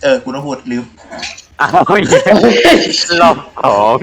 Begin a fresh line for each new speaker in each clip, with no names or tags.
กูต้องพูดลืม
อ้าวรอบสอง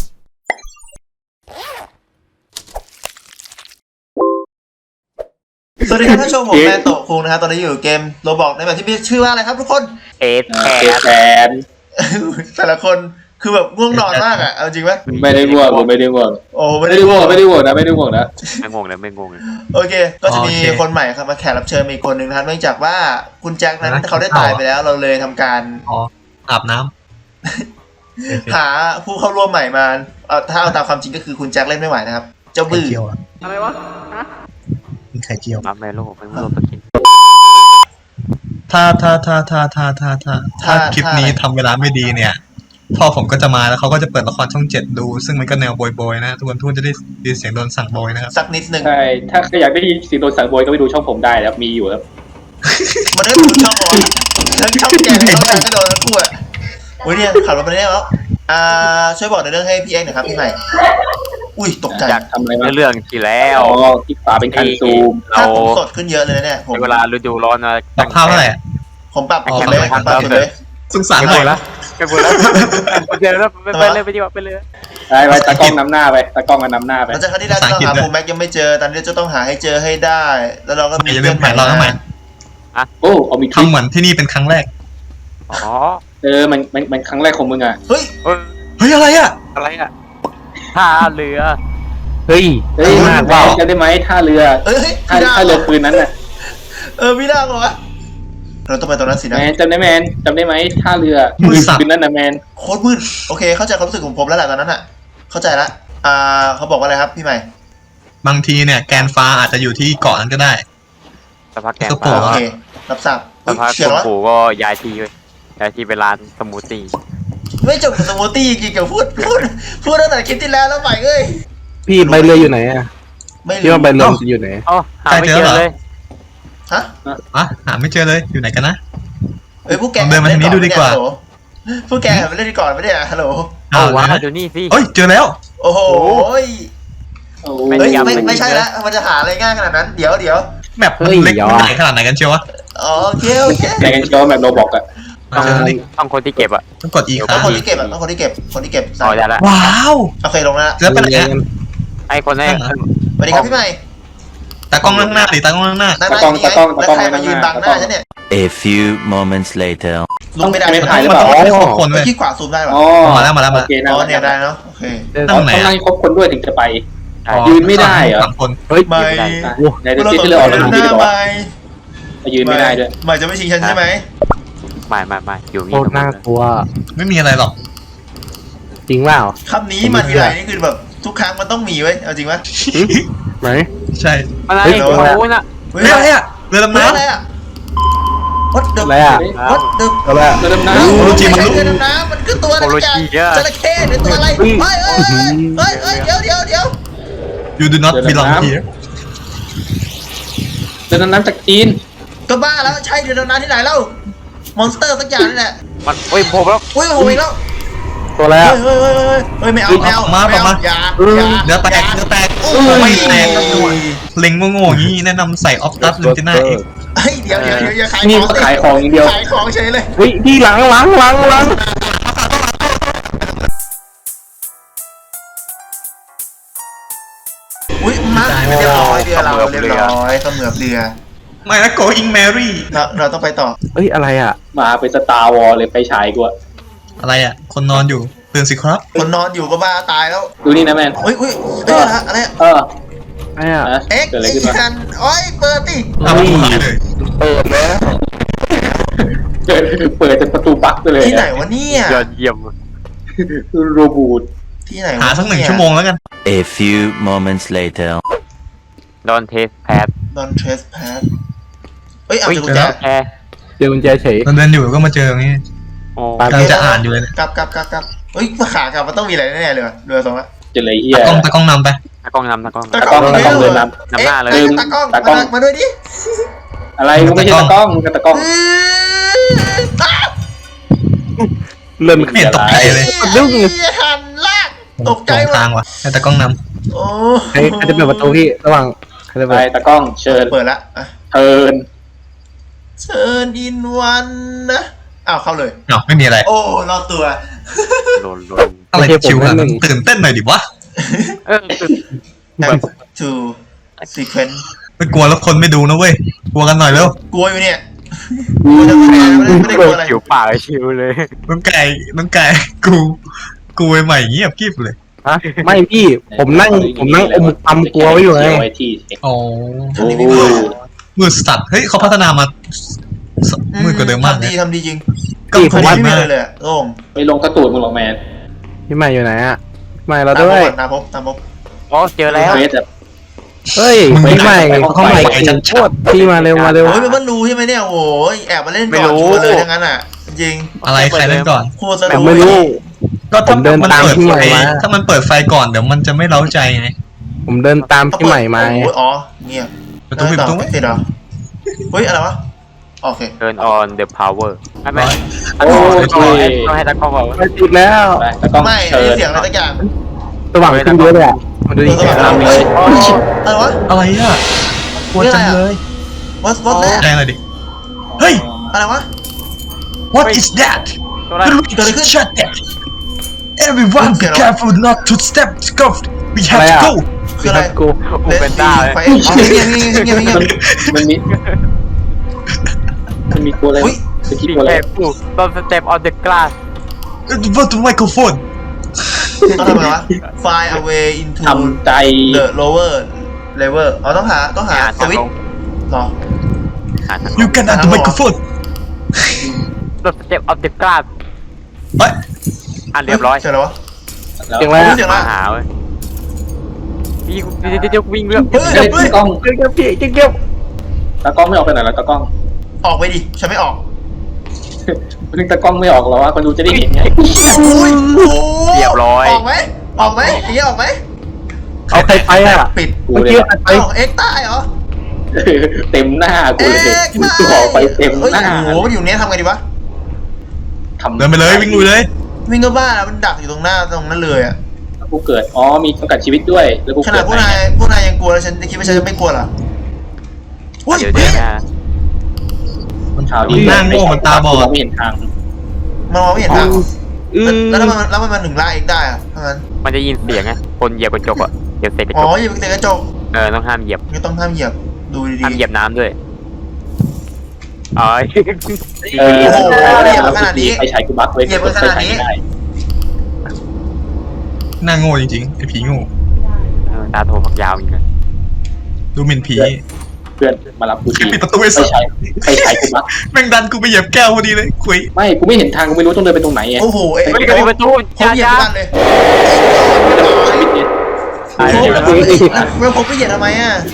สวัสดีครับท่านผู้ชมผมแมนโตะคุงนะครับตอนนี้อยู่เกมโรบอกในแบบที่มีชื่อว่าอะไรครับทุกคน
เอสแทน
แต่ละคนคือแบบง่วงนอนมากอ่ะเอาจริงไหม
ไม่ได้ง่วงผมไม่ได้ง่วง
โอ้
ไม่ได้ง่วงนะไม่ได้ง่วงนะ
ไม่งงเลยไม่งงเลย
โอเคก็จะมีคนใหม่ครับมาแขกรับเชิญอีกคนหนึ่งนะครับเนื่องจากว่าคุณแจ็คนั้นเขาได้ตายไปแล้วเราเลยทำการ
อาบน้
หาผู้เข้าร่วมใหม่มาถ้าเอาตามความจริงก็คือคุณแจ็คเล่นไม่ไหวนะครับเจ้าบื้อ
อะไรวะ
มีไข่เจียว
รับแม่โลกไม่รู้ตัวกิน
ถ้าคลิปนี้ทำเวลาไม่ดีเนี่ยพ่อผมก็จะมาแล้วเขาก็จะเปิดละครช่อง7ดูซึ่งมันก็แนวโบยๆนะทุกคนจะได้ยินเสียงโดนสั่งโบยนะครับ
สักนิดนึง
ใช่ถ้าอยากได้ยินเสียงโดนสั่งโบยก็ไปดูช่องผมได้แล้วมีอยู่ครับ
มันได้ดูช่องผมทั้งช่องแกงช่องแกงก็โดนทั้งคู่อ่ะโอ้ยเนี่ยขับรถไปได้แล้วช่วยบอกในเรื่องให้พี่เอ็กหน่อยครับพี่ใหม่อุ้ยตกใจ
อยากทำอะไร
เรื่องที่แล้ว
อ๋อคลิกขวาเป็นคันซูม
เราสดขึ้นเยอะเลยเนี่ยผม
เวลาฤดูร้อนนะ
ปรับภาพเท่าไหร่
ผมปรับสุดเลยปรับสุดเลย
สงสารหน่อยละ
ไปหมดแล้วเดี๋ยวไปเลยไปดีกว่าไปเลย
ไปตากล้องนำหน้าไปตากล้องมานำหน้าไป
หลังจากที่เราต้องหาผมแม็กยังไม่เจอตอนนี้จะต้องหาให้เจอให้ได้แล้วเราก็มี
เรื่องใหม่เราทำไม
โอ้เอามี
ทำเหมือนที่นี่เป็นครั้งแรก
อ๋อ
มันครั้งแรกของมึงอ่ะ
เฮ้ย
อะไรอ่ะ
ท่าเรือ
เฮ้ยจะได้ไหมท่าเรือท่าเรือคืนนั้นน่ะ
พี่ดาวเหรอเราต้องไปตรงนั้นสินะ
แมนจำได้ไหมท่าเรือคืนนั้นนะแมน
โคตรมืดโอเคเข้าใจความรู้สึกของผมแล้วแหละตอนนั้นอ่ะเข้าใจละเขาบอกว่าอะไรครับพี่ใหม่
บางทีเนี่ยแกนฟ้าอาจจะอยู่ที่เกาะนั้นก็ได้
สภาพแกนฟ้า
โอเครับทราบ
สภาพคุณปู่ก็ย้ายที่ไปร้านสมูทตี้
ไม่จบกับสมูทตี้จริงกับพูดตั้งแต่คลิปที่แล้วใหม่เอ้ย
พี่ใบเรืออยู่ไหนอ่ะพี่ว่าใบเรืออยู่ไหน
อ๋อหาไม่เจอเลย
ฮะ
หาไม่เจอเลยอยู่ไหนกันนะ
พวกแก
เดินมาทางนี้ดูดีกว่า
พวกแกไปเล่นก่อนไม่ได้ฮัลโหล
ว้าเดี๋ยวนี่สิ
เจอแล้ว
โอ้โหไม่ใช่ละมันจะหาอะไรง่ายขนาดนั้นเดี๋ยว
แมปเล็กใหญ่ขนาดไหนกันเชียววะ
โอเค
ไหนกันเชียวแบบโรบอกอะ
ต้องคนที่เก็บอะ
ต้องกดอีก
ต้องคนที่เก็บต้องคนที่เก็บ
อ๋อได้ละ
ว้าว
โอเคลงแล้ว
แล้วเป็นไง
ไอคนแรก
สวัสดีครับพี่ใหม่
ตากล้องข้างหน้าตากล้องข้างหน้า
ตากล้อง
แล้วใครมายืนบังหน้าฉันเนี่ย
A few moments later
ลงไม่ได้
ไม่ถ่ายหรือเปล่า
คนเลย
ที่ขวาซูมได้ป่ะ
มาแล้ว
โอเคนะ
เนี่ยได้เนาะโอเค
ต้องนั่งครบคนด้วยถึงจะไปยืนไม่ได้เหรอ
เฮ้ย
ไม่
ในเรื่องที่เรา
ดูดีกว่า
ยืนไม่ได้ด้วย
ไม่จะไม่ชิงฉันใช่ไหม
ไม่อยู่นี่
โคตรน่ากลัว
ไม่มีอะไรหรอก
จริงเปล่า
คำนี้มาทีไรนี่คือแบบทุกครั้งมันต้องมีไว้เอาจริงไหม
ไหน
ใช่
อะไรโอ้ยน่ะ
อะไรอ่ะเรือดำน้ำ
อะไรอ่ะวัดเดิม
อะไรอ่ะ
วัดเดิม
อะไร
เรือดำน้
ำเรือดำน้ำมันคือตัวอะไรกันจระเข้หรือตัวอะไรเฮ้ยเดี๋ยว
You do not belong here
เรือดำน้ำจากจีน
ก็บ้าแล้วใช่เรือดำน้ำที่ไหนเล่ามอนสเตอร์สักอย่างนี่แหละ
มันผมแล้ว
ผมอีกแล้ว
ตัวแล้ว
ไม่เอาอย่า
เนื้อแตกไม่แตกเล็งโง่ๆงี้แนะนำใส่ออฟตัสเลนติน่าเอง
เดี๋ยวอย่าขาย
ของอย่างเดียว
ขายของเฉยเลย
พี่หลัง
อุ้ยมาเรียบร้อยเรือเราเรียบร้อยเสมือบเรือ
ไม่นะ Going Mary
เราต้องไปต่อ
อะไรอ่ะ
มาเป็นสตาร์วอลเลยไปฉายกว่า
อะไรอ่ะคนนอนอยู่ตื่นสิครับ
คนนอนอยู่ก็บ้าตายแล้ว
ดูนี่นะแมน
อุ้ยอะไรเอ็กซ์กันเปิดดิ
เปิดจนประตูบั๊กไปเลย
ที่ไหนวะเนี่ย
ยอดเยี่ยม
โรบูท
ที่ไหน
หาสัก1 ชั่วโมงแล้วกัน
A few moments later
Don't test pad
เอากุญแจ
เจอกุญแจเฉย
เดินอยู่ก็มาเจออย่างนี้กำลังจะอ่านอยู่เลย
กลับเฮ้ยขากลับมันต้องมีอะไรแน่ๆเลยเรือตรงนั้น
จะเลยเฮีย
ตากล้องนำไป
ตากล้องนำ
เดินนำ
หน้าเลย
ตากล้องมาด้วยดิ
อะไรมึงไม่ใช่ตากล้องมึงกับตากล้อง
เริ่ม
ไม่เห็นตกใจเลย
ดึงหันลากตกใจ
ทางว่ะให้ตากล้องน
ำโอ้
ใครจะเปิดประตูพี่ระหว่างใครจะ
ไปตากล้องเชิญ
เปิดละ
เชิญ
อินวันนะอ้าวเข้าเลย
เนาะไม่มีอะไร
โอ้รอดตัว
โดน
อะไรจะชิวอะตื่นเต้นหน่อยดิวะ
เออ
back to sequence
ไม่กลัวแล้วคนไม่ดูนะเว้ยกลัวกันหน่อยเร็ว
กลัวอยู่เนี่ยกลัวจะแพ้ไม่ได้กลัวอะไร
ชิวปากชิวเลย
น้องไก่กูใหม่เงียบกริบเลย
ฮะไม่พี่ผมนั่งอมตำกลัวไว้อยู่ไง
ไว้ที่
อ๋อ
ทำดีไม่พอ
มือสัตว์เฮ้ยเขาพัฒนามามือกว่าเดิมมาก
ทำดีจริง
ก็
พี่
ผ
ทำ
ม
ดี
ว่า
ไม่เลยอะโล่ง
ไม่ลงกระตูดมึงหรอกแมน
พี่ใหม่อยู่ไหนอะพี่ใหม่เรา
ตาม
ด้วย
ตามพบ
อ๋อเจอแล้ว
เฟสแบบ
เฮ้ยพี่ใหม่เขาใหม่เก่งโคตรพี่มาเร็วมาเร็ว
เฮ้ยมันรู้ใช่ไหมเนี่ยโอ้ยแอบมาเล่นก่อนชัวร์เลยทั้งนั้นอ่ะจริง
อะไรใครเล่นก่อน
โคตรส
ผ
นุ
ม
ก
ไม่รู้
ก็ถ้า
ผมเดิน
มัน
ตาม
เปิด
พี่ใหม่
ไฟ
มา
ถ้ามันเปิดไฟก่อนเดี๋ยวมันจะไม่เล้าใจไง
ผมเดินตามพี่ใหม่มาไง
อ๋อเงียบ
ประตูปิดประตูไหม
ติดเหรอเฮ้ยอะไรวะโอเค
turn on the power ไม่
โอ้ย
ต้องให้ตากล้องบอกว่า
ไปติดแล้ว
ไปแล้วก็
ไม่
เชิ
ได้
ญ
เสียงอะไรสักอย่าง
สว่างขึ้นเยอะเลยอะมาดูดิ
สว่าง
ตามเลย
อะไรวะ
อะไรอ่ะกลัวจังเลย
วัดแรก
แรงเลยดิเฮ้ย
อะไรวะ
what is that
ตัวนั้น
shut that everyone be careful not to step scuffed we have to go
คืออะไร
กู
อูเป็นต้าเลย
ไฟเงียบ
มันมีตัวอะไร
อุ้ย
สกิป
Be
ตัวอะไร
careful don't step on the glass
what the microphone
ต้องทำไงวะ Find a way into
ทำใจ
the lower level อ๋อต้องหาสวิตช์หรอ
you can at the microphone
don't step on the glass
เฮ้ย
อ่ะเรียบร้อย
เสียงอะไรวะ
แล้ว
เก่งแล้ว
เสียงอะไร
มาหาเว้ยพี่เดี๋ยววิ่งเรื่อง
เฮ้ย
เฮ้ย
เฮ้ย
ตากล้อง
เก็บพี่เก็บ
ตากล้องไม่ออกไปไหนแล้วตากล้อง
ออกไปดิฉันไม่ออก
นึกตากล้องไม่ออกหรอวะคนดูจะได้เห็นไง
อุ้ยโอ้
เรียบร้อย
ออกไหมอย่างนี้ออกไหม
เอาใครไปอะ
ปิด
กู
เมื่อ
เล
กี้
ย
ใครไป
เอ้าเอ็กซ์ตายเหรอ
เต็มหน้ากู
เอ็
เลย
กซ์ตาย
กูออกไปเต็ม
เฮ้ย
หน้า
โอ้โหมันอยู่เนี้ยทำไงดีวะ
ทำ
เดินไปเลยวิ่งลุยเลย
วิ่งก็บ้าแล้วมันดักอยู่ตรงหน้าตรงนั้นเลยอ่ะ
กูเกิดอ๋อมีจำกัดชีวิตด้วยแล้วกู
ข
เกิ
นาด
ด
พวกนายยังกลัวแล้วฉันคิดว่าฉันจะไม่กลัวเหรออุ้ย
เดี๋ยว
เฮ้ย
นะ
ข่าว
มันหน้าโง่มันตาบอด
ไม่เห็นทาง
มันมองไม่เห็นทาง
อืม
แล้วมันถึงล่าเองได้อะถ้างั้น
มันจะยินเสียงไงคนเหยียบกระจกอ่ะเหยียบเศษกระ
อ๋
จ
อก อย่าไปเตะกระจก
ต้องห้ามเหยียบ
ไม่ต้องห้ามเหยียบดูดี
ห้ามเหยียบน้ำด้วยอ๋อ
เออ
โอ้โหเหยียบมาขนาดนี้
ไอ้ชายกูบักไว้
เหยียบมาขนาดนี้
ไฟฉายไม่ได้
หน้าโง่จริงๆไอ้ผีโง่
ตาโทฝักยาวอีกเลย
ดูหมิ่นผี
เพื่อนมารับกูที
ปิดประตูไอ้
ไฟ
สัส
ฉายไฟฉายกูบัก
แม่งดันกูไปเหยียบแก้วพอดีเลยคุย
ไม่กูไม่เห็นทางกูไม่รู้ต้องเดินไปตรงไหนไง
โอ้โหเอ็ก
เฮ้ยกระดิ่งประตู
ผมเหยียบ
จ้า
ทุกวันเลย
ชีวิตเนี่ย
ตาย
ผม
แล้
แล้ว วผมไปเหยียบทำไมอ่ะ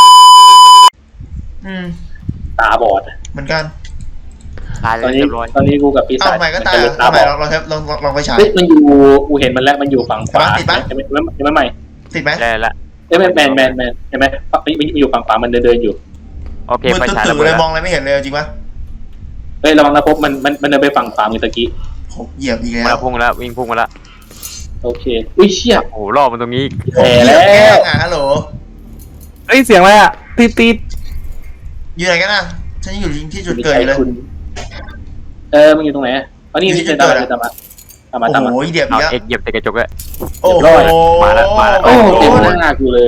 ตาบอด
เหมือนกัน
ตาย
ตอนนี้
เรียบร้อย
ตอนนี้กูกับปีศา
เอา
จ
ใหม่ก็ตาย
เป็นตา
เอาให
บ
ม่
อด
ลองไปฉาย
เฮ้ยมันอยู่กูเห็นมันแล้วมันอยู่ฝั่งขวา
ติดปะ
เห็นไหมใหม่
ติดไหม
ได้ละ
เอ้ยแมนเห็นไหมมันอยู่ฝั่งขวามันเดินอยู่
โอเค
มือ
ไฟฉาย
ตื่
ระ
น
เบิด
เลย
แล้ว
มองอะไรไม่เห็นเลยจริงปะ
เฮ้ยระวังนะพบมันเดินไปฝั่งขวามือตะกี้
ผมเหยียบอีก
มา
แล้
แล้ว วพุ่งแล้ววิ่งพุ่งมาแล้ว
โอเคอุ้ยเชี่ย
โอ้โหรอบมันตรงนี้อีก
แย่แล้ว
แกล้งอ่ะฮัลโหล
เฮ้ยเสียงอะไรอะติด
อยู่ไหนกันอ่ะฉันอยู่ที่จุดเกิดอยู่เลย
คุณมึงอยู่ตรงไหนอ๋อนี่เดินตามมาตามมา
โอ้
ตามมา
โหเหยียบ
เอา
เยอะ
เอ็กเหยียบแต่กระจกเลย
โอ้โห
มาแล้ว
โอ้เต็มหน้ากูเลย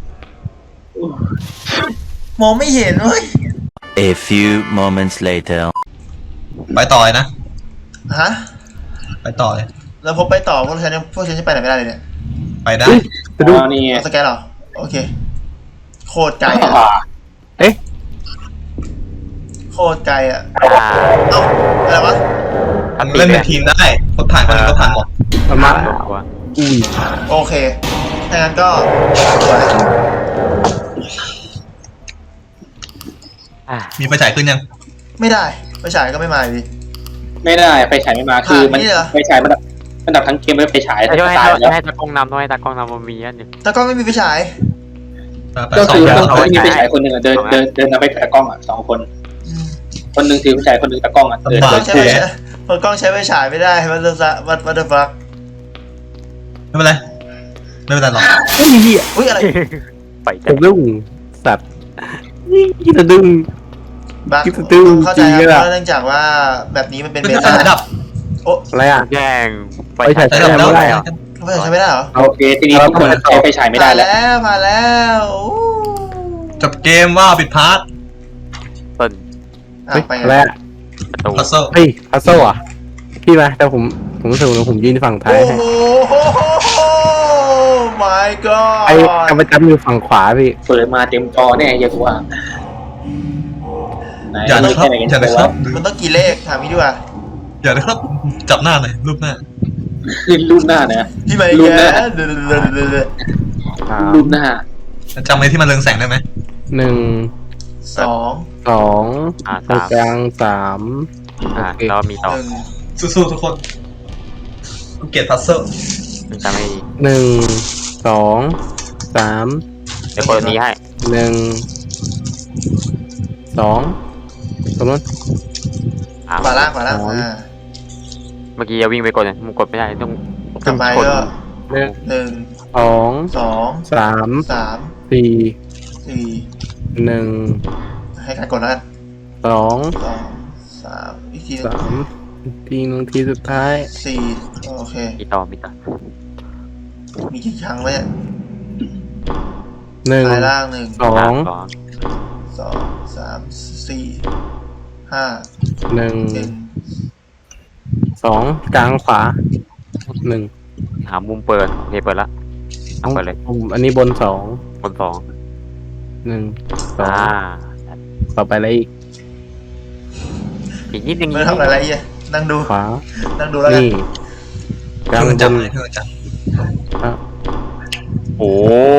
มองไม่เห็นเว้ย
A few moments later.
ไปต่อเลยนะ
ฮะ
ไปต่อเลย
แล้วพบไปต่อพวกฉันจะไปไหนไม่ได้เลยเนี่ย
ไปได้
ๆจะดู
นี่ไง
เอาสแกนเหรอโอเคโคตรไกลอ่ะ
เอ๊ะ
โคตรไกลอ่ะ
อ่า
เอ้าอะไรวะ
เล่นเป็นทีมได้คนผ่านคนอื่นก็ผ่านหมด
มันมา
ตัว
อุ้ย
โอเคถ้างั้นก็สวย
มีไฟฉายขึ้นยัง
ไม่ได้ไปฉายก็ไม่มาอยู่ดี
ไม่ได้ไฟฉายไม่มาคือมัน
นี่เหรอ
ไฟฉายมันดับทั้งเกมเลยไฟฉาย
ต้องให้
ตายแล้ว
ให้ตากล้องนำต้องให้ตากล้องนำมันมีอันหนึ่ง
แต่ก็ไม่มีไฟฉาย
ไป
ก็คือ
ส
ต้
อ
อง ง
อย่าง
มีไฟฉายคนหนึ่งเดินนำไปตากล้องอ่ะ2 คน
อืม
คนหนึ่งถือไฟฉายคนหนึ่งตากล้องอ่ะเดิน
ใช้ไฟฉายพอกล้องใช้ไฟฉายไม่ได้วัตเตอร์ฟัก
ไม่เป็นไรไม่เป็นไรหรอก
อุ้ยเหี้ย
อุ้ยอะไร
ไป
ผ
จัด
มดุ้งสัตว์นี่จะดึง
บ้า
คิดตื้อ
เข้า
จ
ใจ
ริง
ครับ
เลย
เพราะเนื่องจากว่าแบบนี้มันเป็น
เป็น
เบ
ไฟ
ต้า
ฉายดับ
โอ้
อะไรอ่ะ
แย่งไฟ
ไฟฉาย
ฉาย
ไฟฉายดับ
ไม่
แล้ว
ได้เหรอ
ไฟฉายใช้ไม่ได้เหรอ
โอเคทีนี้ทุกคนใช้ไฟฉายไม่ได้แล้ว
มาแล้วอู้
จบเกมว่าปิดพาร์ท
ต้น
อ่ะ
เฮ้ย
ไป
อะไรอ่ะ
ประตู
พัซเซิล
เฮ้ยพัซเซิลอ่ะพี่มาแต่ผมรู้สึกว่าผมยืนฝั่งท้าย
โอ้
ให้
โห my god
ไอ้กำจับอยู่ฝั่งขวาพี่
เปิดมาเต็มจอแน่อย่ากูว่าไหน
อย่านะครับ
ไหนกัน
อย่านะครับ
มันต้องกี่เลขถามพี่ดีกว่า
อย่านะครับจับหน้าหน่อยรูปหน้า
ขึ้นรูปหน้าเนี่ย
พี่ไม่
รู
แก
ปหน้า
เดี๋ยว
สาม
รูปหน้า
จำไอ้ที่มันเรืองแสงได้ไหม
หนึ่ง
สอง
สอง ตรง
สาม
กลางสาม
อ่า
โอเค
แล้วมีต่อ
หนึ่ง
สู้ๆทุกคนกูเกลียดพัซเซิล
มันจะไม่
หนึ่งสองสาม
เดี๋ยวเปิดนี้ให้
หนึ่งสองตรงนู้น
ขวาล่างขวาล่าง
สาม
เมื่อกี้จะวิ่งไปกดเนี่ยมันกดไม่ได้ต้อง
กลับไป
กด
ก็
หนึ่ง
หนึ่ง
สอง
สอง
สาม
สาม
สี่
สี่
หนึ่ง
ให้การกดแล้วกัน
สอง
สองสามอีกทีหนึง
สามทีหนึ่งทีสุดท้าย
สี่โอเค
มีต่อมีต่อ
มีกี่ครั้งวะเนี่ย
หนึ่ง
ซ้ายล่างหนึ่ง
สอง
สอง
สองสามสี่ห้า
หนึ่ง
หนึ่ง
สองกลางขวาหนึ่ง
หามุมเปิดโอเคเปิดละเอาเปิดเลย
ผมอันนี้บนสอง
บนสอง
หนึ่งสอง
อ่า
ต่อไปอะไรอีก
อีกนิดนึง
ไม่ทำอะไรอ่ะนั่งดู
ขวา
นั่งดูแล้วกัน
นี่กลาง
เพื่อน
บ
จับ
น
เลยเพื่อนจับ
โอ้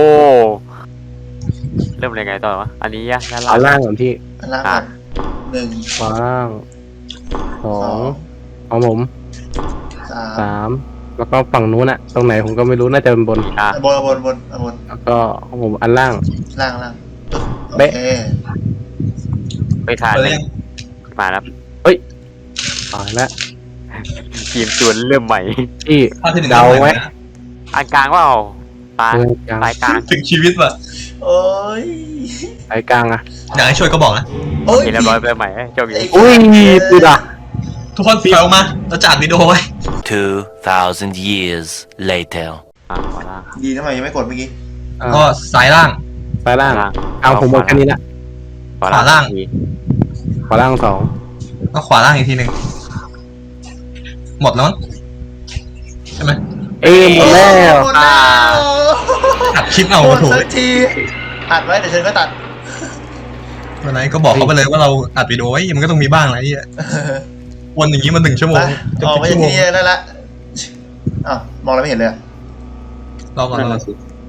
เริ่มอะไรไงต่อวะอันนี้ยะด้าน
ขวา
ล่าง
ล่างก่อนที่
อันล่างก่อนหนึ่ง
ขวาล่างสอ
สอง ง
ของผม
สาม
สามแล้วก็ฝั่งนู้นอะตรงไหนผมก็ไม่รู้น่าจะเป็นบน
อ่ะ
บนบนบน
แล้วก็ของผมอันล่าง
ล่างล่างโอ
เบ๊ะ
เค
ไปถ่าย
เปิด
เล
แล้
ยว
ยัง
มาแล้ว
ตายแล้ว
ทีมชวนเริ่มใหม่
ที่
ภาพที่หนึ่ง
เดาไหม
อันกลางว่าเอาตา
เออกลาง
สายกลาง
ถึงชีวิตว่ะ
โอ้ย
สายกลางอะ
อยากให้ช่วยก็บอกนะ
โอ้ย
เห็นเรียบร้อยเริ่มใหม่เจ้าบี
อุ้ยปืนอะ
ทุกคนถอยออกมาเราจะอัดวิดีโอไว้
2,000 years later.
อ่าขวาล่าง
ดีนะมันยังไม่กดเมื่อกี้
ก็ซ้ายล่าง
สายล่าง
ล่าง
เอาผมหมดแค่นี้ละ
ขวาล่าง
ขวาล่างสอง
ก็ขวาล่างอีกทีหนึ่งหมดแล้วมั้งใช่ไหม
เอ้ยหมดแล้ว
หมดแล้ว
อัดคลิปเอา
หม
โอ้
ด
โห
สักทีอัดไว้เดี๋ยวฉันก็ตัด
วันไหนก็บอกเขาไปเลยว่าเราอัดวิดีโอไว้มันก็ต้องมีบ้างอะไรอ่ะวนอย่างนี้มา1 ชั่วโม
ไป
งจะ
ออก
10
มา
ชั่
จาว ก
โมง
ที่นี่ได้ละอ้าวมองอะไรไม่เห็นเลยอะ
รอก่อน
นั่น
รอ
น่ะสิ